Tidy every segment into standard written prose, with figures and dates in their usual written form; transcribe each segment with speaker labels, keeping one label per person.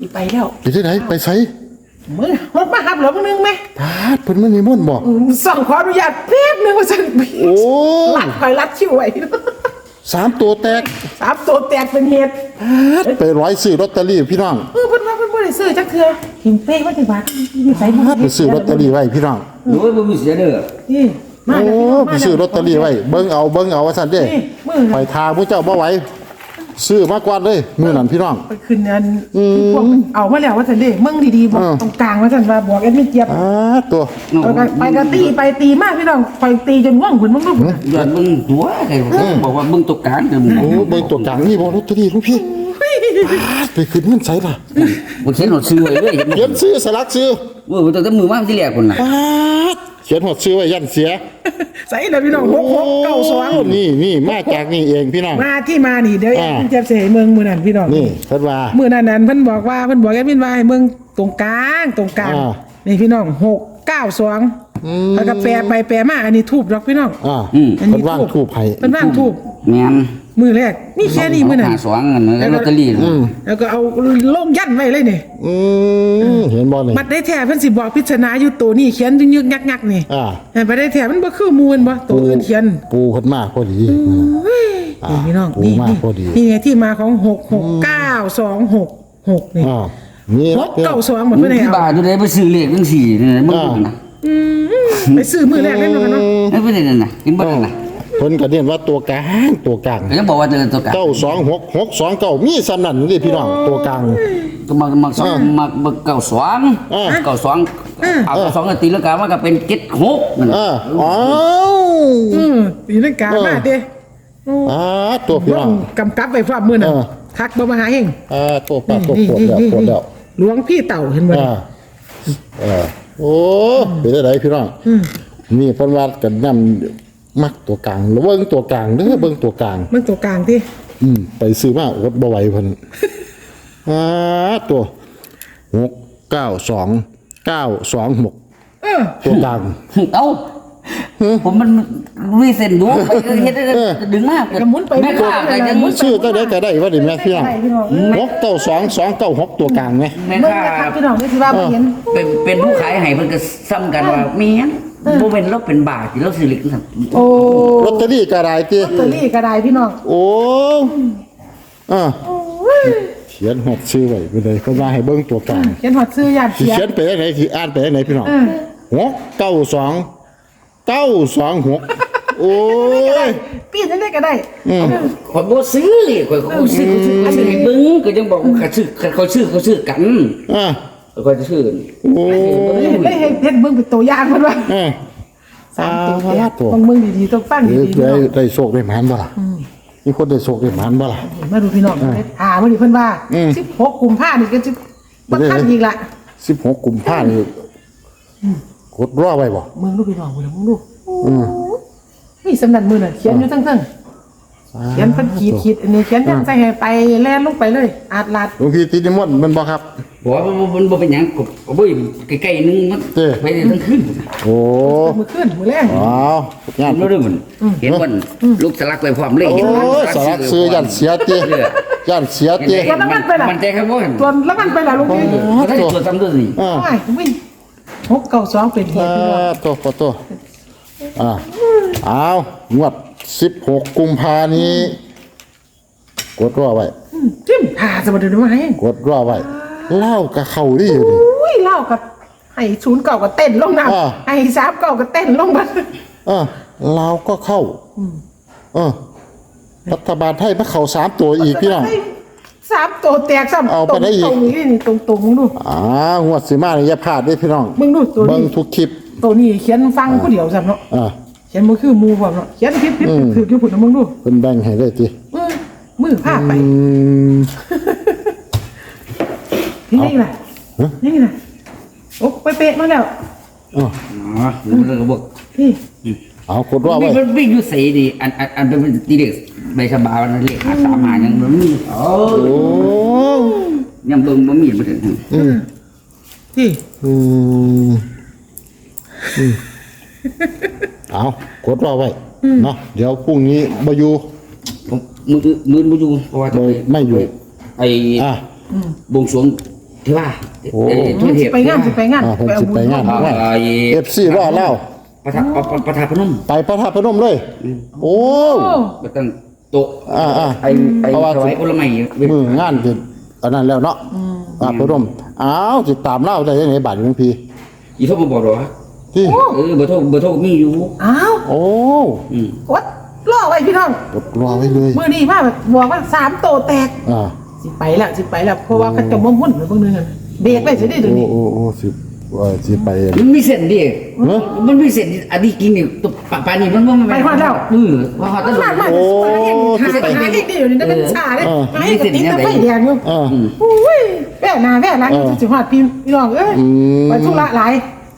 Speaker 1: ไปแล้ว
Speaker 2: ไปที่ไหนไปไส
Speaker 1: มึงรถมาหับเหรอมึงนึงไหม
Speaker 2: พาดเพิ่นมานิมนต์บ่
Speaker 1: สั่งขออนุญาตแป๊บนึงว่าฉัน
Speaker 2: โอ้
Speaker 1: ลัดคอยลัดชิวไว้
Speaker 2: 3ตัวแตก
Speaker 1: 3 ตัวแตกเป็นเหตุ
Speaker 2: ไปร้อยซื้อลอตเตอรี่พี่น้อง
Speaker 1: เพิ่นว่าเพิ่นบ่ได้ซื้อจักเทื่อหิมเป้ว่าจังหวัดอยู่ไสบ่
Speaker 2: ไปซื้อลอตเตอรี่ไว้พี่น้อง
Speaker 3: โอ้ยบ่มีเสียเด้อ
Speaker 1: นี่มา
Speaker 2: โอ้
Speaker 1: แล้ว
Speaker 2: ไปซื้อลอตเตอรี่ไว้เบิ่งเอาว่าซั่นเด้ไปทาผู้เจ้าบ่ไหวซื้อมาก่อนเลยมื้อนั้นพี่น้อง
Speaker 1: ไปขึ้นอันพวกเอามาแล้วว่าซั่นเด้มึงดีๆบอกตรงกลางว่าซั่นว่าบอกแอดมินเจี๊ยบ
Speaker 2: ตัว
Speaker 1: ไปก็ตีไปตีมากพี่น้องไปตีจนง่วงพุ่นมึงลูก
Speaker 3: ย้อนมึงตัวใครบอกว่ามึงตกกลางเด้อมึง
Speaker 2: โอ้เบิ่งตัวกลางนี่บ่ลอตเตอรี่ลูกพี่ไปขึ้นเงินไสล่ะ
Speaker 3: บ่เขียนหนดชื่อไว้เลยเห็นบ่
Speaker 2: เขียนซื้อสลักซื้อ
Speaker 3: เว้ยตั้งแต่มือมาที่แรกพุ่นน่ะ
Speaker 2: เขียนหดซื้อไว้ยันเสีย
Speaker 1: ใส่แล้วพี่น้อง6692
Speaker 2: นี่มาจากนี่เองพี่น้อง
Speaker 1: มาที่มานี่เดี๋ยวแอดมินเจี๊ยบสิให้เมืองมื้อนั้นพี่น้อง
Speaker 2: นี่เพิ่นว่า
Speaker 1: มื้อนั้นเพิ่นบอกแอดมินว่าให้เมืองตรงกลางนี่พี่น้อง692แล้วก็แปลไปแปลมาอันนี้ทูบดอกพี่น้อง
Speaker 2: เพิ่นว่างทูบให้
Speaker 1: เพิ่นว่างทูบ
Speaker 3: แม่น
Speaker 1: มือแรกนี่แค่นี้มือนั้น
Speaker 3: หาสองอันนั้นลอตเตอรี่
Speaker 1: แล้วก็เอาลงยันไว้เลยนี่
Speaker 2: เห็นบ่นี่
Speaker 1: บัดได้แท้เพิ่นสิบอกพิจารณาอยู่ตัวนี้เขียนยึกๆงักๆนี่แต่บัดได้แท้มันบ่คือมูลบ่ตัวอื่นเขียน
Speaker 2: ปูเพิ่นมาพอดี
Speaker 1: นี่พี่น้อง
Speaker 2: ปู
Speaker 1: นี่
Speaker 2: มาพอดี
Speaker 1: นี่ไงที่มาของ66926นี่
Speaker 2: นี่
Speaker 1: 692หมดเพิ่นให้
Speaker 3: ที่
Speaker 1: เอา
Speaker 3: บ้านตัวใดไปซื้อเลขจังซี่นี่มึงน่ะ
Speaker 1: ไปซื้อมือแรกเล่นมาเนาะ
Speaker 3: เอ้ยบ่ได้นั่นน่ะกินบ่ได้น่ะ
Speaker 2: เพิ่นก็เรียนว่าตัวกลาง
Speaker 3: ก็ยังบอกว่าเดินตัวกลาง
Speaker 2: 926 629มีซ้ำนั่นนี่พี่น้องตัวกลาง
Speaker 3: ก็มาสองมาเก้าสองเอาสองตีแล้วกันว่าก็เป็น76นั่น
Speaker 2: อ๋อ
Speaker 1: ตีลังกามาเด้
Speaker 2: ตัวพี่น้อง
Speaker 1: กำกับไว้พร้อมมือน่ะทักบ่มาหาเฮง
Speaker 2: ตัวปลาตัวปวดแล้ว
Speaker 1: หลวงพี่เต่าเห็นบ่
Speaker 2: โอ้เป็นได้พี่น้องนี่เพิ่นว่ากันนำมักตัวกลางแล้วเบิ่งตัวกลางเด้อเบิ่งตัวกลาง
Speaker 1: มันตัวกลางที่
Speaker 2: ไปซื้อมาอดบ่ไหวเพิ่นตัว692926ตัวกลาง
Speaker 3: เอ้าผมมันมีเส้นดูไปเฮ็ดดึงมากแม่ค้าก็ยัง
Speaker 2: ชื่อก็ได้ว่าดิแม่พี่น้อง69226ตัวกลางไหม
Speaker 3: แม่
Speaker 1: เมื่อ
Speaker 3: ค้า
Speaker 1: นะครับพี่น้องนี่สิว่าบ่เห็น
Speaker 3: เป็นผู้ขายให้เพิ่นก็ซ้ำกันว่ามีหยังบ่เป็นเราเป็นบาทที่เราซื้อเล็กซั่น
Speaker 1: โอ้
Speaker 2: ลอตเตอรี่ก็ได้ติ
Speaker 1: ลอตเตอรี่ก็ได้พี่น้อง
Speaker 2: โอ้เขียนหดชื่อไว้ไปเลยเพิ่นว่าให้เบิ่งตัวกลาง
Speaker 1: เขียนหอดซื้อญาติ
Speaker 2: สิ
Speaker 1: เสีย
Speaker 2: เขียนไปได้ไหนสิอ่านไปได้ไหนพี่น้อง69296โอ้ย
Speaker 1: ปีนได้ก็ได้
Speaker 3: ข่อยบ่ซื้อเลยข่อยซื้อให้เบิ่งก็ยังบอกว่าเขาซื้อกันข่อยจะซื้อ
Speaker 2: โอ้
Speaker 1: ได้เฮ็ดเบิ่งเป็นตัวอย่างเพิ่นว่า3ตัวต้องเบิ่งดีๆต้องฟังดีๆ
Speaker 2: ได้โชคได้หมานบ่ล่ะมีคนได้โชคได้หมานบ่ล่ะ
Speaker 1: มาดูพี่น้องมื้อนี้เพิ่นว่า16กุมภาพันธ์นี่ก็สิบ่ทันอีกละ
Speaker 2: 16กุมภาพันธ์นี่กดรอไว้บ่
Speaker 1: มึงดูพี่น้องมึงดูนี่สำนักมือน่ะเขียนอยู่ทั้งเขียนเพิ่นขีดอันนี้เขียนจังใส่ให้ไปแล่นลงไปเลยอาดลาด
Speaker 2: หลวงพี่ติดนิมนต์มันบ่ครับ
Speaker 3: บอกว่ามันบ่เป็นหยังก็บ่ใกล้ๆนึงมันไปทั้งคืน
Speaker 2: โอ้
Speaker 1: มื้อคืนมื้อแลง
Speaker 2: ว้าวงาน
Speaker 3: รู้ด้วยมันเห็นวันลูกสลักไปพร้อมเลย
Speaker 2: โอ้
Speaker 3: เห็น
Speaker 2: สารซื้อยันเสียเต
Speaker 3: มันใจครับว่า
Speaker 1: ตัวแล้วมันไปล่ะลุงพี่
Speaker 3: ถ้าตัวซ้ำด้วยนี่
Speaker 1: โอ้ยวิ่ง692เป็นเหตุพี่น้อง
Speaker 2: ตัวอ้าวงวด16กุมภานี้กดรอไว้
Speaker 1: จิ้มผ่าสมดุลมาให้
Speaker 2: กดรอไว้เล่ากับเขาดิอยู่ดิ
Speaker 1: อุ้ยเล่ากับให้09ก็เต้นลงน้ำให้39ก็เต้นลงบัด
Speaker 2: เราก็เข้ารัฐบาลไทยมาเข้า3ตัวอีกพี่น้อง
Speaker 1: 3ตัวแตกซ้ำตรงนี้นี่ตรงมึงดู
Speaker 2: งวดสิมานี่อย่าพลาดเด้พี่น้อง
Speaker 1: มึงดูตัว
Speaker 2: เบิ่
Speaker 1: นี้
Speaker 2: งทุกคลิป
Speaker 1: ตัวนี้เขียนฟังผู้เดียวซ้ำเนาะ เขียนมือคือมูพร้อมเนาะเขียนผิดถืออยู่พุ่นมึงดู
Speaker 2: เพิ่นแบ่งให้เลยติ
Speaker 1: มือพาไปนี่ล่ะนี่ล่ะโอ้ไปเป๊ะมาแล้ว
Speaker 3: อ๋อแล้วก็บอก
Speaker 1: นี่
Speaker 2: เอากดรอไว้
Speaker 3: มันวิ่งอยู่ใส่ดิอันเป็นตีเด็กใบฉบับมันเลข3หายังมันมียังเบิ่งบ่มีบ่ถึง
Speaker 1: ที่
Speaker 2: เอากดรอไว้เนาะเดี๋ยวพรุ่งนี้บ่อยู่
Speaker 3: มือบ่อยู่เพราะว่า
Speaker 2: ไม่อยู่
Speaker 3: ไอ้บวงสรวงที่ว่า
Speaker 2: โอ้
Speaker 3: ทั่วเทพ
Speaker 1: ไปงานสิไปงาน
Speaker 2: เพิ่นสิไปงาน
Speaker 3: เอา
Speaker 2: ว่า FC รอเล่า
Speaker 3: ประธานพนม
Speaker 2: ไปพระธาตุพนมเลย โอ้
Speaker 3: ก็ตั้งโต๊ะ ไอ้
Speaker 2: เพราะว่า
Speaker 3: ถวายผลไม้
Speaker 2: มืองานสิอันนั้นแล้วเนาะพระพนมอ้าวสิตามเล่าได้ยังไงบาดหลวงพี่
Speaker 3: อีโทรมาบอกหรอ
Speaker 2: ที่
Speaker 3: เบอร์โทรมีอยู่
Speaker 1: อ้าว
Speaker 2: โอ้
Speaker 1: วัดล่อไว้พี่น้อง
Speaker 2: กดรอไว้เลย
Speaker 1: มื้อนี้มาแบบบอกว่า3โตแตก
Speaker 2: อ่า
Speaker 1: สิไปแล้วเพราะว่าเขาจะมามุ่นไปเบิ่งนึงกันเบรกไว้สิได้เดี๋ยวนี้
Speaker 2: โอ้สิไป
Speaker 3: มันมีเส้นดิ
Speaker 2: เนอะ
Speaker 3: มันมีเส้นอันนี้กินนี่ตัวปลานี่มันว่ามันว่าฮอดตลอ
Speaker 1: มา
Speaker 3: ด
Speaker 1: มาหาเองดีอยู่นี่ได้เป็นชาเลยมาให้ติดตะไฟแดงอยู่
Speaker 2: อ่า
Speaker 1: อุ้ยแว่หน้าแว่หลังสิฮอดพี่น้องเอ้ยไปธุระหลาย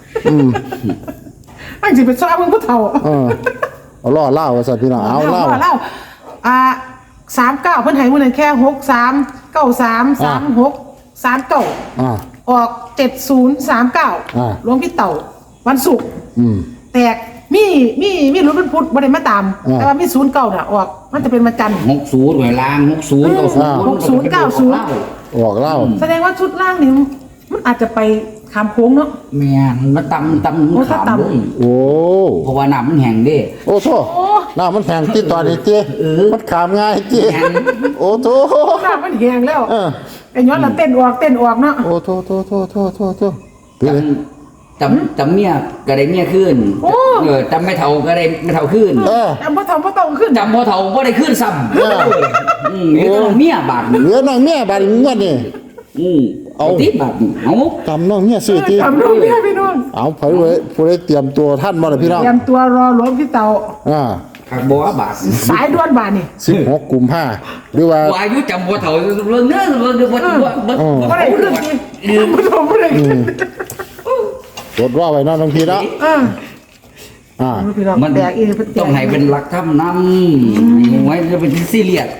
Speaker 1: อันสิไปซ้อมมึงผู้เฒ่า
Speaker 2: เอาล่อเล่าว่าสัตว์พี่น้องเอาเล่า
Speaker 1: เล่า39เพิ่นให้มื้อนั้นแค่63 93 36 39
Speaker 2: อ่า
Speaker 1: ออก7039รวมพี่เต่าวันศุกร์ แตกมีรถบรรทุกบ่ได้มาตาม แต่ว่ามี09น่ะออกมันจะเป็นวันจันทร์
Speaker 3: 60หน่วยล่าง60
Speaker 2: ออกเล่า
Speaker 1: แสดงว่าชุดล่างนี่มันอาจจะไปขามโค้งเนาะ
Speaker 3: แม่นมันตำขามเลย
Speaker 2: โอ้
Speaker 3: เพราะว่าน้ำมันแห้งเด้
Speaker 2: โอ้โธ่น้ามันแข็งที่ตอนนี้เจ้มันขามง่ายเจ้
Speaker 3: แข็ง
Speaker 2: โอ้โธ่
Speaker 1: น้ำมันแห้งแล้วไอ้ย้อนเราเต้นออกเนาะ
Speaker 2: โอ้โธ่เป็นไง
Speaker 3: จำเมียก็ได้เมียขึ้นจำไม่เท่าก็ได้ไม่เท่าขึ้น
Speaker 1: จำพ่อทำพ่อต้องขึ้น
Speaker 3: จำบ่เท่าบ่ได้ขึ้นซ้ำนี่ต้องเมียบาท
Speaker 2: เหลือน้องเมียบาดนี้งวดนี่
Speaker 3: เอาติบาทเอา
Speaker 2: จำน้องเมียซื้อที่
Speaker 1: จำน้องเนี่ยพี่น้อง
Speaker 2: เอาไผไว้ผู้ใดเตรียมตัวท่านบ่ล่ะพี่น้อง
Speaker 1: เตรียมตัวรอหลวงพี่เต่า
Speaker 3: ขักบ่บาท
Speaker 1: สายด่วนบานนี่
Speaker 2: 16กุมภาพันธ์หรือว่า
Speaker 3: วายุจำบ่เท่าเรื่องเนื้อบ่
Speaker 1: ก็ได้ขึ้นทีไม่ต้องไม่ได้ขึ้น
Speaker 2: กดว่าไว้เนาะน้องพี่เนาะ
Speaker 1: พี่น้อง
Speaker 3: มัน
Speaker 1: แบกอีก
Speaker 3: ต้องให้เป็นหลักธรรมนำไว้จะเป็นซีเรียส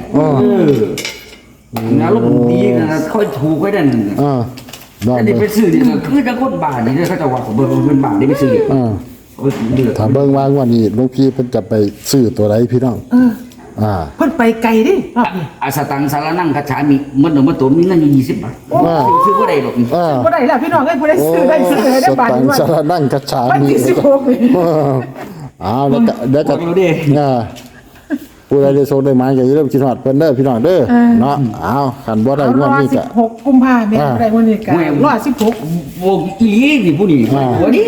Speaker 3: นะลูกดีนะค่อยถูกไว้นั่น
Speaker 2: นอน
Speaker 3: อันนี้ไปซื้อนี่คือจะคนบาทนี่เขาจะว่าผมเป็นบาทนี่ไปซื้อเดือด
Speaker 2: ถ้าเบิ่งว่างวดนี้หลวงพี่เพิ่นจะไปซื้อตัวใดพี่น้อง
Speaker 1: เพิ่นไปไกลดิรอบนี้
Speaker 3: อาสตังสารนั่งคาฉามีมันตัวมีเงินอยู่20 บาทซื้อบ่ได้หรอก
Speaker 1: บ่ได้แล้วพี่น้องเอ้ยบ่ได้ซื้อได้บาท
Speaker 2: ตัง
Speaker 1: นี้ว่า
Speaker 2: สารนั่งกระชา
Speaker 1: วัน
Speaker 2: มี
Speaker 1: ที่16นี่
Speaker 2: แล้วก็เดี๋ยวก็ผู้ใดได้ส่งได้มาก็อย่าลืมคิดฮอดเพิ่นเด้อพี่น้องเด้อเนาะเอาคันบ่ได้งวดนี้ก็
Speaker 1: 16กุมภาพันธ์แม่ได้วันนี้ก็รอ16
Speaker 3: วงอีหลีนี่ผู้นี้วันนี้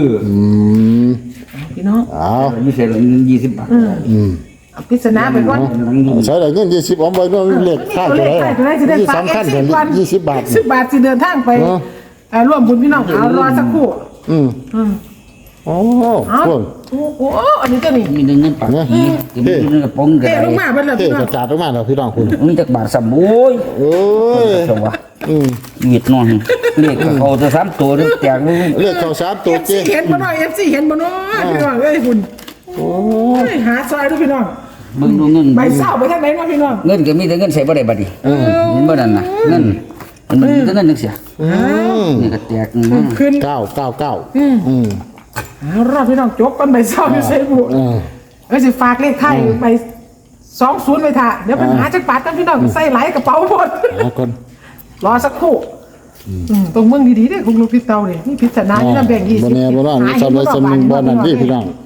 Speaker 1: พี่น้อง
Speaker 3: อยู่เสีย20 บาท
Speaker 1: พิจารณาไปก่อน
Speaker 2: ใช้ได้เงิน20เอาไว้เนาะเลขค่าตัวใดที่สำคัญกัน20 บาท
Speaker 1: 10 บาทสิเดินทางไปร่วมบุญพี่น้องเอารอสักครู่
Speaker 2: โอ้โห
Speaker 1: อันนี้ก็นี่
Speaker 3: มีเงินปากผีมีเงินกระป๋องกัน
Speaker 1: เตะลงมาเบิ่แล้ว
Speaker 2: เท่
Speaker 1: พี่น้อง
Speaker 2: กระจาดออกมาแล้วพี่น้องคุณ
Speaker 3: มีจักบาทซ้ำโอ้ย
Speaker 2: โอ้ย
Speaker 3: จังวะเวียดนอนเลขเขาจะ3ตัวแจกเลย
Speaker 2: เลขเข้า3ตัวเจ๊
Speaker 1: เห็นบ่น้อย FC เห็นบ่น้อยพี่น้องเอ้ยคุณโอ้ยหาซอยดูพี่น้อง
Speaker 3: มึงดูเงิน
Speaker 1: ใบเศร้าไปทางไหนมาพี่น้อง
Speaker 3: เงินก็มีแต่เงินใส่บ่ได้บัดนี้มันบ่นั่นน่ะเงินมันมีแต่เงินจังซี่นี่ก็แตก
Speaker 1: ขึ้น
Speaker 2: 999
Speaker 1: รอบพี่น้องจบกันใบเศร้าอยู่เซบุสิฝากเลขไทยใบ20ไปท่าเดี๋ยวปัญหาจักบาทกันพี่น้องใส่ไหลกระเป๋าหมด
Speaker 2: เอาก่อน
Speaker 1: รอสักครู่ตรงเมืองดีๆเด้คุณลูกพี่เตาเนี่ยนี่พิจารณานี่นะแบ่ง20
Speaker 2: บ่แน่บ่นอนมีซ้ำเลยซ้ำนึงบ่นั่นพี่พี่น้อง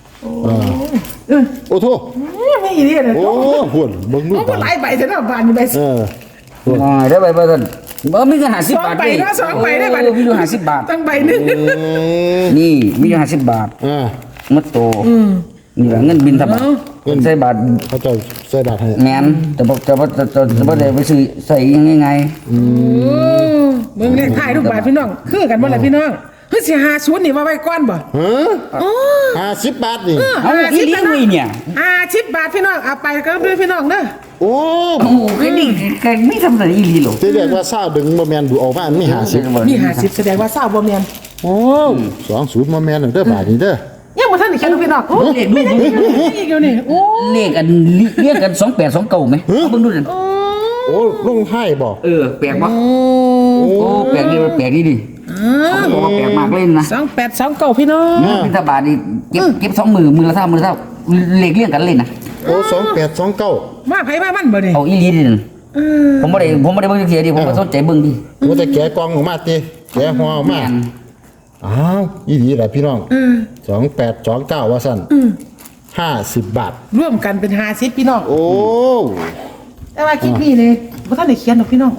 Speaker 2: โอ้โธ่
Speaker 1: ไม่อีนี่เลย
Speaker 2: โอ้หุ่นเบิ่งดู
Speaker 1: มันหลายใบเท่านั้นบาทนี่ใบ
Speaker 3: ได้ใบบ่ซั่นบ่มีเงิน50 บาท
Speaker 1: 2ใบได้บาท
Speaker 3: มีอยู่50 บาท
Speaker 1: ตั้งใบนึง
Speaker 3: นี่มีอยู่50 บาทมัดโตนี่ล่ะเงินบินทบาทใส่บาท
Speaker 2: เขาจะใส่บาทให้
Speaker 3: แม่นแต่บ่ได้ไปซื้อใส่ยังไง
Speaker 1: เมืองเลขไทยทุกบาทพี่น้องคือกันบ่ล่ะพี่น้องเฮ้ยสิ50นี่ว่าไว้ก่อนบ่
Speaker 2: 50 บาทนี่
Speaker 3: เอาอีหลีเว้ยเนี่ย
Speaker 1: 10 บาทพี่น้องเอาไปก็ด้วยพี่น้องเด้อ
Speaker 2: โอ้
Speaker 3: โอ้แค่นี้ก็ไม่ทำอะไรอีหลีหรอก
Speaker 2: ที่เรียกว่าซาวดึงบ่แม่นดูออกมามี50
Speaker 1: มี50แสดงว่าเศร้าบ่แม่น
Speaker 2: โอ้20บ่แม่นเด้อบาทนี่เด้อ
Speaker 1: ยังบ่ทันได้เขียนพี่น้องโอ้เลขดูอีกอยู่นี่โอ้
Speaker 3: เลขอันเรียกกัน2829มั้ยเบิ่งดูนั่น
Speaker 2: โอ้ลงให้บ่
Speaker 3: แปลกบ่โอ้แปลกนี่ดิโอ้แปลกมากเลยนะ
Speaker 1: 2829พี่น้อง
Speaker 3: บิณฑบาตนี่เก็บ2มือละเท่าเลขเรียงกันเลยนะ
Speaker 2: โอ้2829
Speaker 1: มาไผมามันบ่นี่
Speaker 3: เอาอีหลีดิผมไม่ได้เบิ่งจักเทียดิผมก็สนใจเบิ่งดิ
Speaker 2: ว่าแต่แกะกล่องออกมาติแกะห่อออกมาอ้าวอีหลีแหละพี่น้อง2829ว่าซั่น50 บาท
Speaker 1: ร่วมกันเป็น50พี่น้อง
Speaker 2: โอ้
Speaker 1: แต่ว่าคลิปนี้เลยบ่ทันได้เขียนหรอกพี่น้อง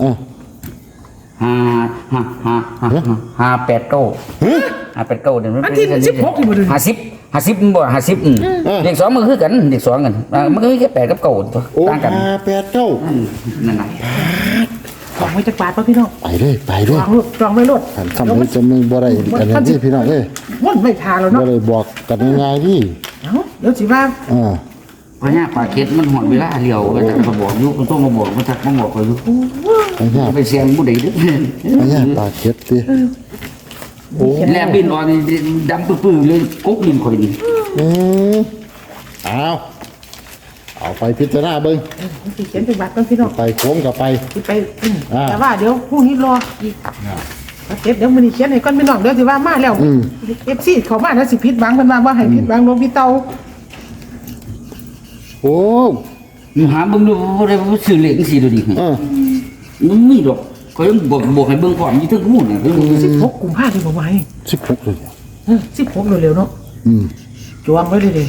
Speaker 3: 589เดี๋ยวมัน
Speaker 1: อันที่16นี่บ่ดู
Speaker 3: 50มันบ่50เลข2มันคือกันเลข2กันมันก็มีแค่8กับ9ตัว
Speaker 2: โอ้
Speaker 3: ต่างกัน
Speaker 2: 589
Speaker 3: นั่นน่ะ
Speaker 1: ของไว้จักบาทป่ะพี่น้อง
Speaker 2: ไปเลย
Speaker 1: จองไว้รถ
Speaker 2: อันคำนี้จะมึงบ่ได้กันนะที่พี่น้องเอ้ย
Speaker 1: วนไม่ทาแล้ว
Speaker 2: บ่
Speaker 1: เนาะ
Speaker 2: ได้บอกกันง่ายๆดิ
Speaker 1: เอ้าเดี๋ยวสิว่า
Speaker 3: เพราะเนี่ยปลาเก็ดมันหอดเวลาเลี้ยวก็จะมาบอกอยู่มันต้องมาบอกมันทักมาบอกก็อยู่
Speaker 2: ไปเนี่ย
Speaker 3: ไปเสียงผู้ใดเด้อ
Speaker 2: ไปเนี่ยปลาเก็ดดิโอ้
Speaker 3: แลบบินออนดำปื้อๆเลยกุ๊กดินข่อยนี่
Speaker 2: เอาไปพิจารณาเบิ่ง
Speaker 1: สิเขียนเป็นบาทก่อนพี่น้อง
Speaker 2: ไปโค้งกับไป
Speaker 1: สิไปแต่ว่าเดี๋ยวพรุ่งนี้รออีกเก็บเดี๋ยวมื้อนี้เขียนให้ก่อนพี่น้องเดี๋ยวสิว่ามาแล้ว FC เขามาแล้วสิผิดหวังเพิ่นว่าบ่ให้ผิดหวังหลวงพี่เตา
Speaker 2: โอ้
Speaker 3: หาเบิ่งดูบ่ได้บ่ซื้อเลขจังซี่ดูดิมันมีดอกก็ยังบอกให้เบิ่งพร้อมอยู่ถึงหูน่ะ
Speaker 1: 16กุมภาพันธ์ที่บ่ไหว
Speaker 2: 16เลย
Speaker 1: 16เร็วๆเนาะจวงไว้เลย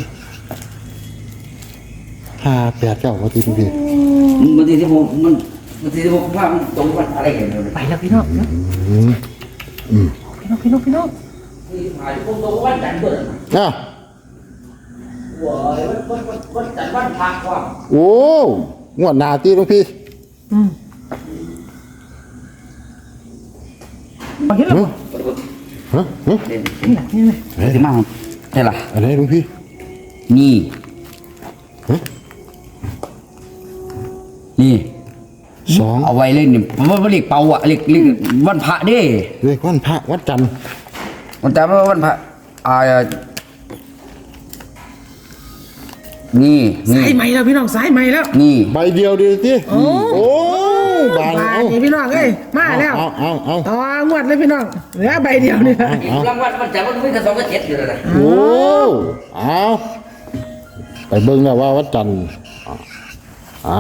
Speaker 2: 589ว่าที่พี่
Speaker 3: มันที่ผมมันที่ผมว่ามันตรงกันอะไรกันเนี่ย
Speaker 1: ไปแล้วพี่น้องพี่น้อง
Speaker 3: หายผมตรงวันจันทร์เบิ่ง
Speaker 2: อ่ะ
Speaker 3: วันจันทร์วันพระว่า
Speaker 2: โอ้งวดหน้าตีหลวงพี่
Speaker 1: เห็นแล้วบ่
Speaker 2: ฮะ
Speaker 1: นี่ล่ะ
Speaker 3: สิมาใช่ล่ะ
Speaker 2: อะไรหลวงพี่
Speaker 3: นี่นี่
Speaker 2: 2
Speaker 3: เอาไว้เล่นนี่ผมว่าเรียกเป่าอ่ะเรียกวันพระเด้
Speaker 2: เลขวันพระวัดจันทร์
Speaker 3: มันแต่ว่าวันพระนี่
Speaker 1: สายใหม่แล้วพี่น้องสายใหม่แล้ว
Speaker 3: นี่
Speaker 2: ใบเดียวดีติโอ้บาน
Speaker 1: บา
Speaker 2: เอา
Speaker 1: ทนี่พี่น้องเอ้ยมาแล้ว
Speaker 2: เอา
Speaker 1: ต่องวดเลยพี่น้องเหลือใบเดียวเนี่ย
Speaker 3: รางวัลมันจะมันไม่กระสอบกระเจ็ดอยู่แล้วนะ
Speaker 2: โอ้เอาไปเบิ่งแล้วว่าวัดจันทร์เอา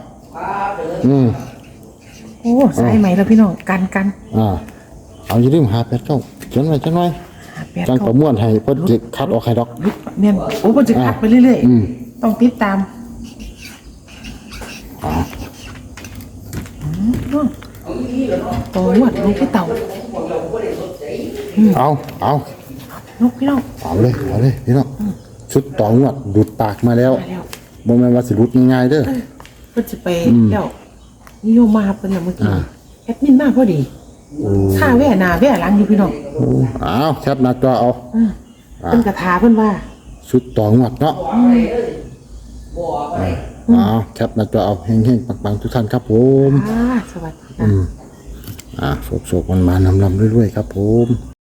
Speaker 1: โอ้สายใหม่แล้วพี่น้องกัน
Speaker 2: เอาอย่าลืม589เขียนไว้จังหน่อยจังประมวลให้เพิ่นสิคัดออกให้ดอก
Speaker 1: เนี่ยโอ้เพิ่นจะคัดไปเรื่อยๆต้องติดตามต่องวดลูกพี่เต่า
Speaker 2: เอา
Speaker 1: ลูกพี่น้อง
Speaker 2: เอาเลยพี่น้องชุดต่องวดดูดปากมาแล้วบ่แม่นว่าสิหลุดง่ายๆเด้อ
Speaker 1: เพิ่นจะไปแล้วนิยมมาเพิ่นน่ะเมื่อกี้แอดมินมาพอดีค่าแว่หน้าแว่หลังอยู่พี่น้อง
Speaker 2: เอาแคปหน้าจอเอา
Speaker 1: เพิ่นกระทาเพิ่นว่า
Speaker 2: ชุดต่องวดเนาะเอาแคปหน้าจอเอาเฮงๆปังๆทุกท่านครับผม
Speaker 1: สวัสดี
Speaker 2: โศกๆมันมานำลำเรื่อยๆครับผม